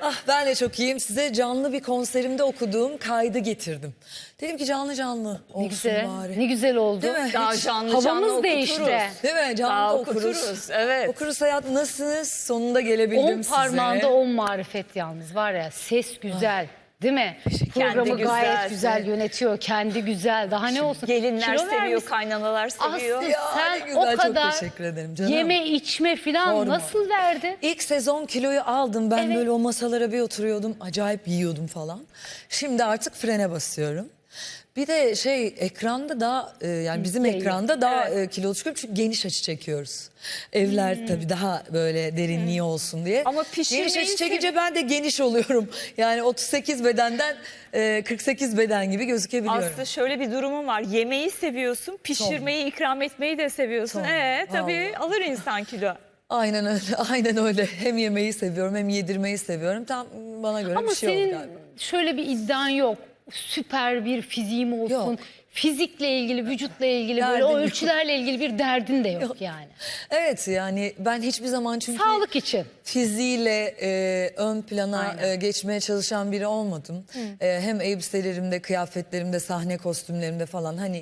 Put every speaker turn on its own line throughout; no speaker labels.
Ah, ben de çok iyiyim. Size canlı bir konserimde okuduğum kaydı getirdim. Dedim ki canlı canlı olsun
Ne güzel,
bari.
ne güzel oldu.
Değil mi?
Daha
Hiç-
canlı
Havamız
canlı
değişti.
okuturuz.
Değil mi? Canlı
Daha
da okuruz.
okuturuz, evet.
Okuruz hayat, nasılsınız? Sonunda gelebildim
10
size.
parmağında 10 marifet yalnız var ya. Ses güzel. Değil mi? Programı
Kendi
gayet
güzel.
güzel yönetiyor. Kendi güzel. Daha ne olsun?
Gelinler
Kilo
seviyor,
vermiş.
kaynanalar seviyor.
Aslı
Ya, ne
sen
güzel,
o
çok
kadar
teşekkür ederim canım.
yeme içme falan
Sorma.
nasıl verdin?
İlk sezon kiloyu aldım. Ben
Evet.
böyle o masalara bir oturuyordum. Acayip yiyordum falan. Şimdi artık frene basıyorum. Bir de ekranda daha yani bizim
Değil.
ekranda daha kilolu çıkıyorum çünkü geniş açı çekiyoruz. Evler tabii daha böyle derinliği olsun diye.
Ama pişirmeyi
geniş açı çekince ben de geniş oluyorum. Yani 38 bedenden 48 beden gibi gözükebiliyorum.
Aslında şöyle bir durumum var. Yemeği seviyorsun, pişirmeyi, ikram etmeyi de seviyorsun.
Son.
Tabii
Vallahi.
alır insan kilo.
Aynen öyle. Aynen öyle. Hem yemeği seviyorum hem yedirmeyi seviyorum. Tam bana göre
Ama
bir şey oldu
senin
galiba.
şöyle bir iddian yok. Süper bir fiziğim olsun.
Yok.
Fizikle ilgili, vücutla ilgili böyle
Derdim
o
yok.
ölçülerle ilgili bir derdin de yok yani.
Evet, yani ben hiçbir zaman çünkü
Sağlık için.
fiziğiyle ön plana
Aynen.
geçmeye çalışan biri olmadım. Hem elbiselerimde, kıyafetlerimde, sahne kostümlerimde falan hani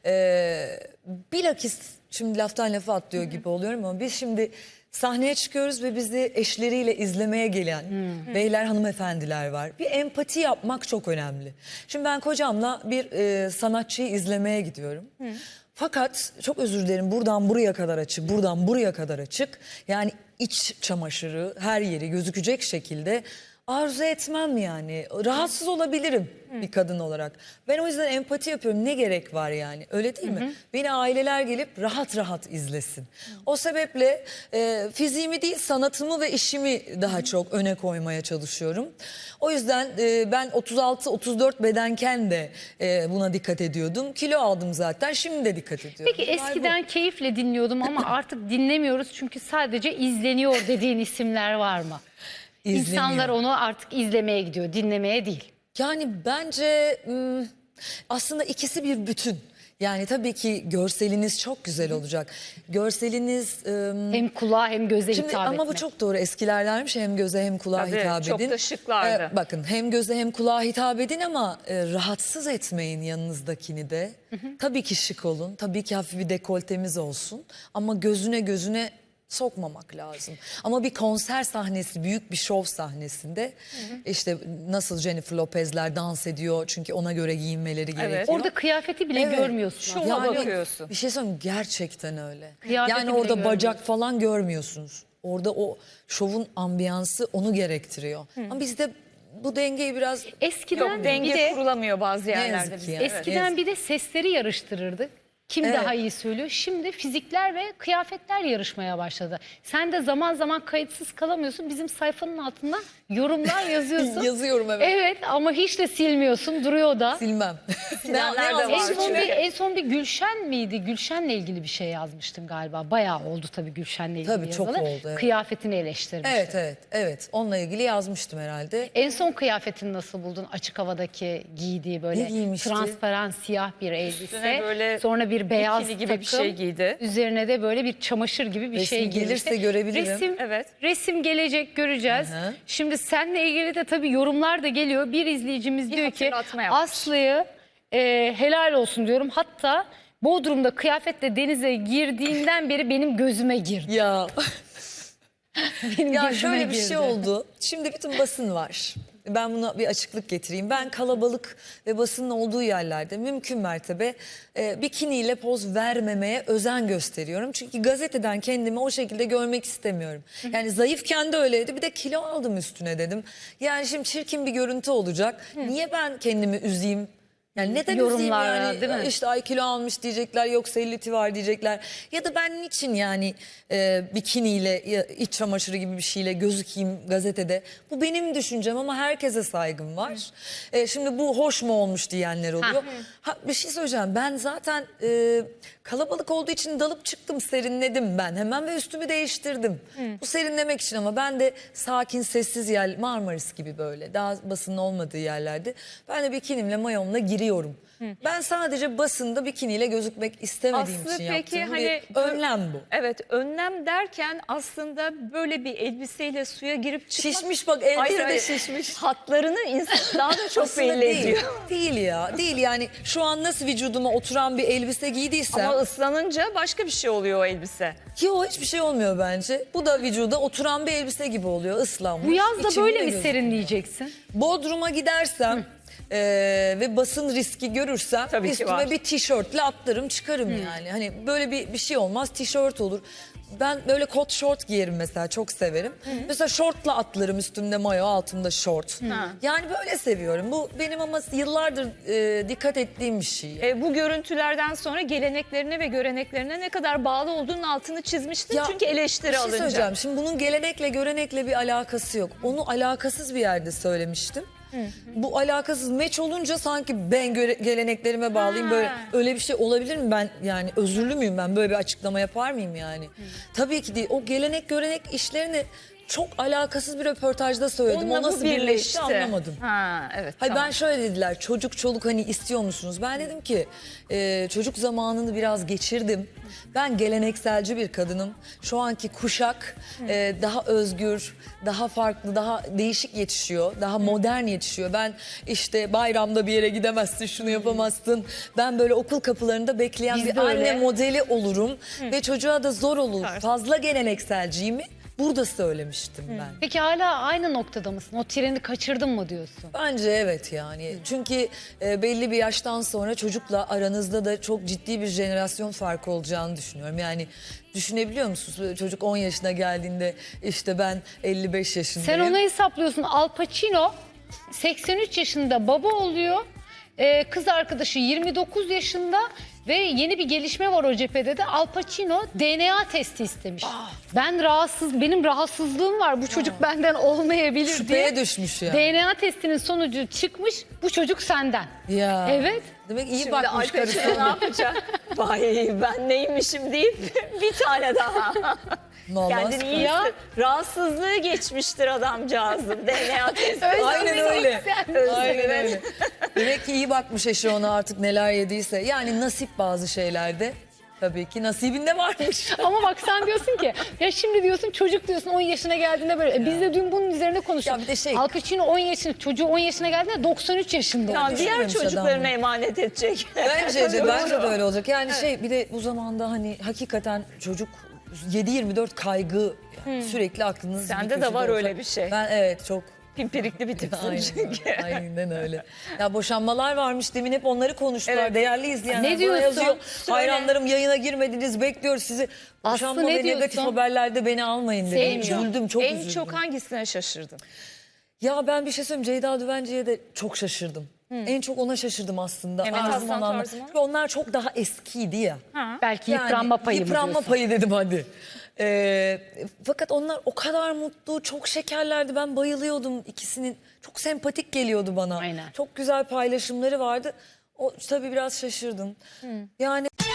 bilakis şimdi laftan lafa atlıyor gibi oluyorum ama biz şimdi sahneye çıkıyoruz ve bizi eşleriyle izlemeye gelen beyler, hanımefendiler var. Bir empati yapmak çok önemli. Şimdi ben kocamla bir sanatçıyı izlemeye gidiyorum. Fakat çok özür dilerim, buradan buraya kadar açık, buradan buraya kadar açık. Yani iç çamaşırı her yeri gözükecek şekilde arzu etmem yani. Rahatsız olabilirim bir kadın olarak. Ben o yüzden empati yapıyorum. Ne gerek var yani? Öyle değil mi? Beni aileler gelip rahat rahat izlesin. O sebeple fiziğimi değil, sanatımı ve işimi daha çok öne koymaya çalışıyorum. O yüzden ben 36-34 bedenken de buna dikkat ediyordum. Kilo aldım zaten. Şimdi de dikkat ediyorum.
Peki
Olay bu.
eskiden keyifle dinliyordum ama artık dinlemiyoruz çünkü sadece izleniyor dediğin isimler var mı?
İzleniyor.
İnsanlar onu artık izlemeye gidiyor, dinlemeye değil.
Yani bence aslında ikisi bir bütün. Yani tabii ki görseliniz çok güzel olacak. Görseliniz
Hem kulağa hem göze
şimdi
hitap
ama
etmek.
bu çok doğru. Eskilerlermiş hem göze hem kulağa
Tabii,
hitap
çok
edin.
da şıklardı.
Bakın hem göze hem kulağa hitap edin ama rahatsız etmeyin yanınızdakini de. Tabii ki şık olun. Tabii ki hafif bir dekoltemiz olsun. Ama gözüne sokmamak lazım. Ama bir konser sahnesi, büyük bir şov sahnesinde işte nasıl Jennifer Lopez'ler dans ediyor çünkü ona göre giyinmeleri gerekiyor.
Orada kıyafeti bile
Evet.
görmüyorsun.
Şova
aslında.
Yani
bakıyorsun.
bir şey söyleyeyim, gerçekten öyle.
Kıyafeti
Yani
bile
orada bacak
görmüyorsun.
falan görmüyorsunuz. Orada o şovun ambiyansı onu gerektiriyor. Ama bizde bu dengeyi biraz
Eskiden
Yok, denge
bir de
kurulamıyor bazı yerlerde.
yazık
bizde.
ya.
Evet.
eskiden bir de sesleri yarıştırırdık. Kim
Evet.
daha iyi söylüyor? Şimdi fizikler ve kıyafetler yarışmaya başladı. Sen de zaman zaman kayıtsız kalamıyorsun. Bizim sayfanın altından yorumlar yazıyorsun.
yazıyorum, evet.
Evet ama hiç de silmiyorsun. Duruyor da.
Silmem.
Silenler de
yazmışım?
var.
En son bir Gülşen miydi? Gülşen'le ilgili bir şey yazmıştın galiba. Bayağı oldu tabii Gülşen'le ilgili
Tabii, çok
yazılı.
oldu, evet.
Kıyafetini eleştirmiştin.
Evet. Onunla ilgili yazmıştım herhalde.
En son kıyafetini nasıl buldun? Açık havadaki giydiği
Ne
böyle
giymişti?
transparan siyah bir elbise.
Üstüne böyle
sonra bir beyaz
bikini gibi
takım.
bir şey giydi.
Üzerine de böyle bir çamaşır gibi bir
Resmi
şey giymişti.
gelirse görebilirim.
Resim,
Evet.
resim gelecek, göreceğiz.
Hı hı.
Şimdi seninle ilgili de tabii yorumlar da geliyor. Bir izleyicimiz
Bir
diyor ki
hatırlatma yapmış.
Aslı'yı helal olsun diyorum. Hatta Bodrum'da kıyafetle denize girdiğinden beri benim gözüme girdi.
Ya
Benim
ya
gözüme
şöyle bir
girdi.
şey oldu. Şimdi bütün basın var. Ben buna bir açıklık getireyim. Ben kalabalık ve basının olduğu yerlerde mümkün mertebe bikiniyle poz vermemeye özen gösteriyorum. Çünkü gazeteden kendimi o şekilde görmek istemiyorum. Yani zayıfken de öyleydi. Bir de kilo aldım üstüne dedim. Yani şimdi çirkin bir görüntü olacak. Niye ben kendimi üzeyim? Yani neden üzeyim
Yorumlar,
yani?
değil mi?
İşte ay kilo almış diyecekler, yok sellüti var diyecekler. Ya da ben niçin yani bikiniyle, iç çamaşırı gibi bir şeyle gözükeyim gazetede? Bu benim düşüncem ama herkese saygım var. Şimdi bu hoş mu olmuş diyenler oluyor. Bir şey söyleyeceğim. Ben zaten kalabalık olduğu için dalıp çıktım, serinledim ben hemen ve üstümü değiştirdim. Bu serinlemek için ama ben de sakin, sessiz yer, Marmaris gibi böyle daha basının olmadığı yerlerde ben de bikinimle mayomla gireyim biliyorum. Ben sadece basında bikiniyle gözükmek istemediğim
Aslı
için
peki
yaptığım
hani
bir önlem bu.
Evet, önlem derken aslında böyle bir elbiseyle suya girip çıkmak.
Şişmiş bak, elleri de şişmiş.
Hatlarını insan daha da çok
Aslında
belli
değil.
ediyor.
Değil ya. Değil yani, şu an nasıl vücuduma oturan bir elbise giydiysem.
Ama ıslanınca başka bir şey oluyor o elbise.
Yok, hiçbir şey olmuyor bence. Bu da vücuda oturan bir elbise gibi oluyor, ıslanmış.
Bu yaz da
İçinde
böyle mi
gözüküyor.
serinleyeceksin?
Bodrum'a gidersem ve basın riski görürsem
Tabii ki
üstüme
var.
bir tişörtle atlarım çıkarım yani. Hani böyle bir şey olmaz, tişört olur. Ben böyle kot şort giyerim mesela, çok severim. Mesela şortla atlarım, üstümde mayo, altımda şort. Yani böyle seviyorum. Bu benim ama yıllardır dikkat ettiğim bir şey.
Bu görüntülerden sonra geleneklerine ve göreneklerine ne kadar bağlı olduğunun altını çizmiştin. Çünkü eleştiri
bir şey
alınca.
söyleyeceğim. Şimdi bunun gelenekle görenekle bir alakası yok. Onu alakasız bir yerde söylemiştim. Bu alakasız meç olunca sanki ben geleneklerime bağlıyım. Böyle öyle bir şey olabilir mi? Ben yani özürlü müyüm, ben böyle bir açıklama yapar mıyım yani? Tabii ki değil. O gelenek görenek işlerini çok alakasız bir röportajda söyledim.
Onunla
O
bu
nasıl birleşti anlamadım.
Ha, evet.
Hayır,
tamam.
ben şöyle dediler, çocuk çoluk hani istiyor musunuz? Ben dedim ki çocuk zamanını biraz geçirdim. Ben gelenekselci bir kadınım. Şu anki kuşak daha özgür, daha farklı, daha değişik yetişiyor. Daha modern yetişiyor. Ben işte bayramda bir yere gidemezsin, şunu yapamazsın. Ben böyle okul kapılarında bekleyen
Biz
bir
de
anne
öyle.
modeli olurum. Ve çocuğa da zor olur. Fazla gelenekselciyimi burada söylemiştim ben.
Peki hala aynı noktada mısın? O treni kaçırdın mı diyorsun?
Bence evet yani. Çünkü belli bir yaştan sonra çocukla aranızda da çok ciddi bir jenerasyon farkı olacağını düşünüyorum. Yani düşünebiliyor musunuz? Çocuk 10 yaşına geldiğinde işte ben 55 yaşındayım.
Sen onu hesaplıyorsun. Al Pacino 83 yaşında baba oluyor. Kız arkadaşı 29 yaşında ve yeni bir gelişme var o cephede de. Al Pacino DNA testi istemiş. Benim rahatsızlığım var. Bu çocuk benden olmayabilir
Şüpheye
diye.
düşmüş ya.
DNA testinin sonucu çıkmış. Bu çocuk senden.
Ya.
Evet.
Demek iyi
Şimdi
bakmış
Al Pacino ne
karısına.
yapacak? Vay, ben neymişim deyip bir tane daha.
Vallahi
Kendini iyi
Ya.
hisset. Rahatsızlığı geçmiştir adamcağızın DNA testi.
Aynen öyle. Aynen
evet.
öyle. Demek ki iyi bakmış eşi ona, artık neler yediyse. Yani nasip bazı şeylerde. Tabii ki nasibinde varmış.
Ama bak sen diyorsun ki ya şimdi diyorsun çocuk diyorsun 10 yaşına geldiğinde böyle. Biz de dün bunun üzerine konuştuk.
Ya bir de şey-
Al Pacino 10 yaşında, çocuğu 10 yaşına geldiğinde 93 yaşında
Ya
oldu.
diğer
Düşünmemiş
çocuklarına
adam.
emanet edecek.
Bence de öyle olacak. Yani bir de bu zamanda hani hakikaten çocuk 7/24 kaygı, yani sürekli aklınız
Sende
bir
de
köşede
var
olacak.
öyle bir şey.
Ben evet çok
Pimpirikli bir tipsin
aynen,
çünkü.
aynen öyle. Ya boşanmalar varmış, demin hep onları konuştular.
Evet.
Değerli izleyenler
Ne
bana
diyorsun?
yazıyor.
Söyle.
Hayranlarım yayına girmediniz, bekliyoruz sizi.
Aslı
Boşanma
ne
ve negatif
diyorsun?
haberlerde beni almayın dedim.
Sevmiyor.
Üzüldüm, çok
En
üzüldüm.
çok hangisine şaşırdın?
Ya ben bir şey söyleyeyim, Ceyda Düvenci'ye de çok şaşırdım. En çok ona şaşırdım aslında.
Mehmet
Ağzım
Aslan
alanlar.
tarzı mı?
Çünkü onlar çok daha eskiydi ya.
Belki
Yani
yıpranma payı mı
Yıpranma
diyorsun?
payı dedim hadi. Fakat onlar o kadar mutlu, çok şekerlerdi. Ben bayılıyordum ikisinin. Çok sempatik geliyordu bana.
Aynen.
Çok güzel paylaşımları vardı. O tabii biraz şaşırdım. Yani